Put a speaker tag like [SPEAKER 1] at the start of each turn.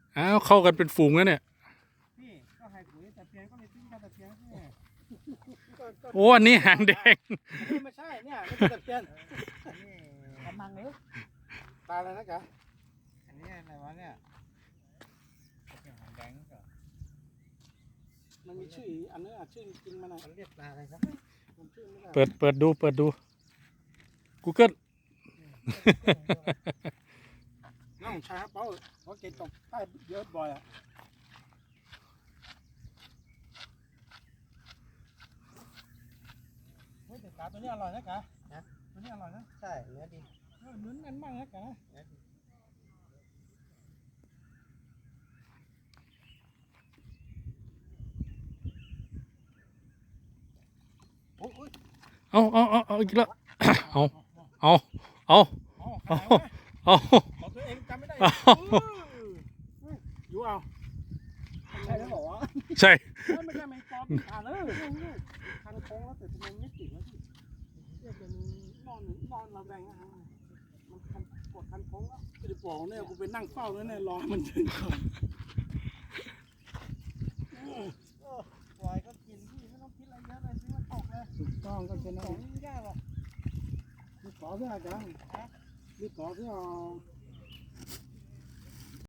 [SPEAKER 1] อ้าวเข้ากันเป็นฝูงแล้วเนี่ย
[SPEAKER 2] พี่ก็ให้ปุ๋ยแต่เพียงก็ไม่ทิ้งกันแต่เพียงนี่
[SPEAKER 1] โอ้อันนี้หางแดง
[SPEAKER 2] ไม่ใช่เนี่ยไม่ใช่แต่เพียงนี่กำมังเลยตาอะไรนะจ๊ะอันนี้อะไรวะเนี่ยหางแดงก็มันมีชื่ออันนี้ชื่อจริงมันเรียกปลาอะไรครับมันชื่อไม่ได้
[SPEAKER 1] เปิดดู Google
[SPEAKER 2] น้องชายเป้าเพราะเกตตกใต้เยอะบ่อยอ่ะเฮ้ยแต่ปลาตัวนี้อร่อยนะกะตัวนี้อร่อยนะใช่เนื้อดีเนื้อแน่นมากนะกะโอ้ย
[SPEAKER 1] เอาอีกแล้วเอา
[SPEAKER 2] ของตัวเองจำไม่ได้อยู่เอาใช่แล้วบอกว่า
[SPEAKER 1] ใช่
[SPEAKER 2] ไม่ใช่แมงปอผ่านเลยทางโค้งแล้วแต่ทำไมไม่ติดแล้วพี่เรียกเป็นนอนระแวงนะฮะมันกดคันโค้งแล้วจะบอกเนี่ยกูไปนั่งเฝ้าแล้วเนี่ยรอมันถึงก่อนปล่อยก็กินพี่ไม่ต้องคิดอะไรเยอะเลยซื้อมาตกเลยถูกต้องก็เป็นของไม่ยากหรอกมีขอเพื่อกันมีขอเพื่อ